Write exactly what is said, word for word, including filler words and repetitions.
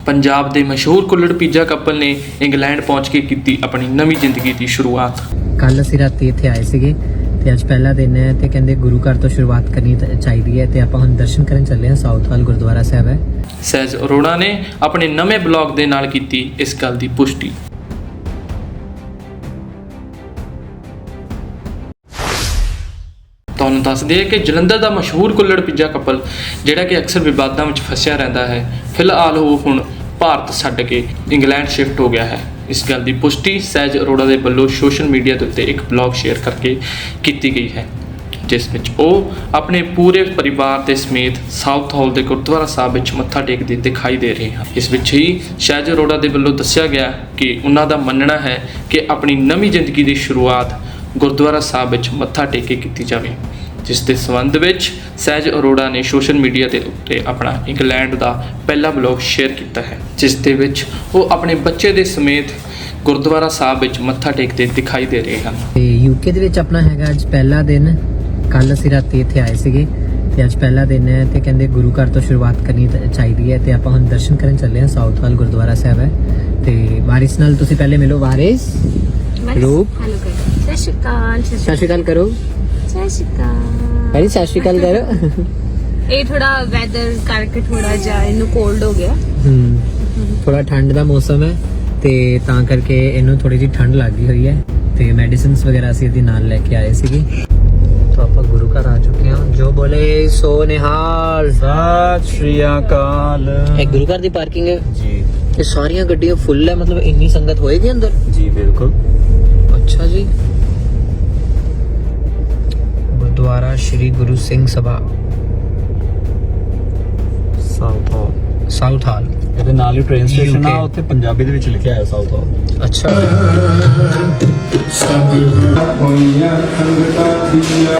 पंजाब के मशहूर kulhad pizza couple ने इंग्लैंड पहुंच के की अपनी नवी जिंदगी की शुरुआत। ਕੱਲ ਅਸੀਂ ਰਾਤੀ ਇੱਥੇ ਆਏ ਸੀਗੇ ਤੇ ਅੱਜ ਪਹਿਲਾ ਦਿਨ ਹੈ ਤੇ ਕਹਿੰਦੇ ਗੁਰੂ ਘਰ ਤੋਂ ਸ਼ੁਰੂਆਤ ਕਰਨੀ ਤਾਂ ਚਾਹੀਦੀ ਹੈ ਤੇ ਆਪਾਂ ਹੁਣ ਦਰਸ਼ਨ ਕਰਨ ਚੱਲੇ ਹਾਂ। ਸਾਊਥ ਹਾਲ ਗੁਰਦੁਆਰਾ ਸਾਹਿਬ ਹੈ। ਸਹਿਜ ਅਰੋੜਾ ਨੇ ਆਪਣੇ ਨਵੇਂ ਬਲੌਗ ਦੇ ਨਾਲ ਕੀਤੀ ਇਸ ਗੱਲ ਦੀ ਪੁਸ਼ਟੀ। ਤੁਹਾਨੂੰ ਦੱਸ ਦਈਏ ਕਿ ਜਲੰਧਰ ਦਾ ਮਸ਼ਹੂਰ ਕੁੱਲੜ ਪਿੱਜ਼ਾ ਕਪਲ ਜਿਹੜਾ ਕਿ ਅਕਸਰ ਵਿਵਾਦਾਂ ਵਿੱਚ ਫਸਿਆ ਰਹਿੰਦਾ ਹੈ, ਫਿਲਹਾਲ ਉਹ ਹੁਣ ਭਾਰਤ ਛੱਡ ਕੇ ਇੰਗਲੈਂਡ ਸ਼ਿਫਟ ਹੋ ਗਿਆ ਹੈ। ਇਸ ਗੱਲ ਦੀ ਪੁਸ਼ਟੀ ਸਹਿਜ ਅਰੋੜਾ ਦੇ ਵੱਲੋਂ ਸੋਸ਼ਲ ਮੀਡੀਆ ਦੇ ਉੱਤੇ ਇੱਕ ਬਲੌਗ ਸ਼ੇਅਰ ਕਰਕੇ ਕੀਤੀ ਗਈ ਹੈ, ਜਿਸ ਵਿੱਚ ਉਹ ਆਪਣੇ ਪੂਰੇ ਪਰਿਵਾਰ ਦੇ ਸਮੇਤ ਸਾਊਥ ਹਾਲ ਦੇ ਗੁਰਦੁਆਰਾ ਸਾਹਿਬ ਵਿੱਚ ਮੱਥਾ ਟੇਕਦੇ ਦਿਖਾਈ ਦੇ ਰਹੇ ਹਨ। ਇਸ ਵਿੱਚ ਹੀ ਸਹਿਜ ਅਰੋੜਾ ਦੇ ਵੱਲੋਂ ਦੱਸਿਆ ਗਿਆ ਕਿ ਉਹਨਾਂ ਦਾ ਮੰਨਣਾ ਹੈ ਕਿ ਆਪਣੀ ਨਵੀਂ ਜ਼ਿੰਦਗੀ ਦੀ ਸ਼ੁਰੂਆਤ ਗੁਰਦੁਆਰਾ ਸਾਹਿਬ ਵਿੱਚ ਮੱਥਾ ਟੇਕ ਕੇ ਕੀਤੀ ਜਾਵੇ, ਜਿਸ ਦੇ ਸੰਬੰਧ ਵਿੱਚ ਸਹਿਜ ਅਰੋੜਾ ਨੇ ਸੋਸ਼ਲ ਮੀਡੀਆ ਦੇ ਉੱਤੇ ਆਪਣਾ ਇੰਗਲੈਂਡ ਦਾ ਪਹਿਲਾ ਬਲੌਗ ਸ਼ੇਅਰ ਕੀਤਾ ਹੈ, ਜਿਸ ਦੇ ਵਿੱਚ ਉਹ ਆਪਣੇ ਬੱਚੇ ਦੇ ਸਮੇਤ ਗੁਰਦੁਆਰਾ ਸਾਹਿਬ ਵਿੱਚ ਮੱਥਾ ਟੇਕਦੇ ਦਿਖਾਈ ਦੇ ਰਹੇ ਹਨ। ਤੇ ਯੂਕੇ ਦੇ ਵਿੱਚ ਆਪਣਾ ਹੈਗਾ ਅੱਜ ਪਹਿਲਾ ਦਿਨ। ਕੱਲ ਅਸੀਂ ਰਾਤੀ ਇੱਥੇ ਆਏ ਸੀਗੇ ਤੇ ਅੱਜ ਪਹਿਲਾ ਦਿਨ ਹੈ ਤੇ ਕਹਿੰਦੇ ਗੁਰੂ ਘਰ ਤੋਂ ਸ਼ੁਰੂਆਤ ਕਰਨੀ ਤਾਂ ਚਾਹੀਦੀ ਹੈ ਤੇ ਆਪਾਂ ਹੁਣ ਦਰਸ਼ਨ ਕਰਨ ਚੱਲੇ ਹਾਂ। ਸਾਊਥ ਹਾਲ ਗੁਰਦੁਆਰਾ ਸਾਹਿਬ ਹੈ ਤੇ ਵਾਰਿਸ ਨਾਲ ਤੁਸੀਂ ਪਹਿਲੇ ਮਿਲੋ। ਵਾਰਿਸ ਰੂਪ ਹੈਲੋ ਕਰ ਸਤਿ ਸ਼੍ਰੀ ਅਕਾਲ ਸਤਿ ਸ਼੍ਰੀ ਅਕਾਲ ਕਰੋ। ਸਤਿ ਸ਼੍ਰੀ ਅਕਾਲ। ਵਾਰਿਸ ਸਤਿ ਸ਼੍ਰੀ ਅਕਾਲ ਕਰੋ। ਇਹ ਥੋੜਾ ਵੈਦਰ ਕਰਕੇ ਥੋੜਾ ਜਿਹਾ ਇਹਨੂੰ ਕੋਲਡ ਹੋ ਗਿਆ। ਹੂੰ ਥੋੜਾ ਠੰਡ ਦਾ ਮੌਸਮ ਹੈ ਤੇ ਤਾਂ ਕਰਕੇ ਇਹਨੂੰ ਥੋੜੀ ਜਿਹੀ ਠੰਡ ਲੱਗ ਗਈ ਹੋਈ ਹੈ ਤੇ ਮੈਡੀਸਿਨਸ ਵਗੈਰਾ ਅਸੀਂ ਇਹਦੇ ਨਾਲ ਲੈ ਕੇ ਆਏ ਸੀਗੇ। तो आप गुरु घर आ चुके हैं। जो बोले सो निहाल सत श्री अकाल। एक गुरु घर दी पार्किंग है जी। ये सारियां गड्डियां फुल है, मतलब इतनी संगत होएगी अंदर? जी बिल्कुल। अच्छा जी। गुरुद्वारा श्री गुरु सिंह सभा ਸਾਊਥ ਹਾਲ। साउथ हाल ਇਹਦੇ ਨਾਲ ਹੀ ਟ੍ਰੇਨ ਸਟੇਸ਼ਨ ਆ, U K ਉੱਥੇ ਪੰਜਾਬੀ ਦੇ ਵਿੱਚ ਲਿਖਿਆ ਹੈ ਸਾਊਥ ਹਾਲ। अच्छा।